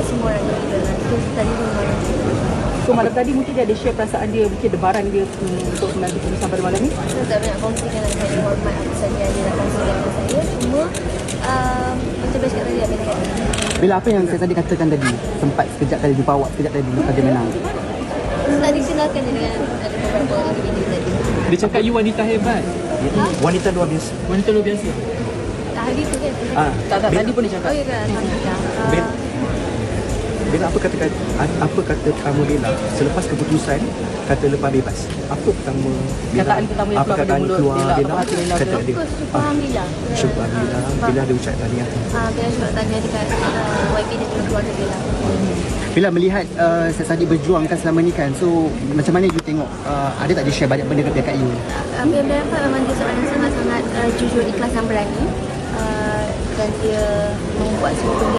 buat semua orang gila lah. Itu tadi semua orang gila. So malam tadi mungkin dia ada share perasaan dia, mungkin debaran dia untuk menanti keputusan pada malam ni. Saya tak banyak kongsikan dengan saya, hormat apa saja dia nak kongsikan dengan saya. Cuma macam best kat tadi lah bila kata. Bila apa yang saya tadi katakan tadi, sempat sekejap tadi jumpa awak sekejap tadi lepas dia menang. Tak dikenalkan je dengan ada beberapa individu tadi. Dia cakap you wanita hebat. Wanita luar biasa. Wanita luar biasa. Hari tu kan? Tak, tadi pun dia cakap. Oh ya kan? Bella apa kata pertama Bella selepas keputusan kata lepas bebas? Apa pertama Bella? Kataan pertama yang apa keluar kataan dari mulut keluar Bella, Bella? apa hati Bella Kata tu? dia. Syukur Alhamdulillah. Syukur Alhamdulillah. Bella ada ucap tahniah. Bella cuma tanya dekat YB dan juga keluarga Bella. Bila melihat Sat Saddiq berjuangkan selama ni kan, so macam mana you tengok, ada tak dia share banyak benda dekat you? Apa yang Bella dapat memang dia seorang yang sangat-sangat jujur, ikhlas dan berani. Dan dia membuat semua benda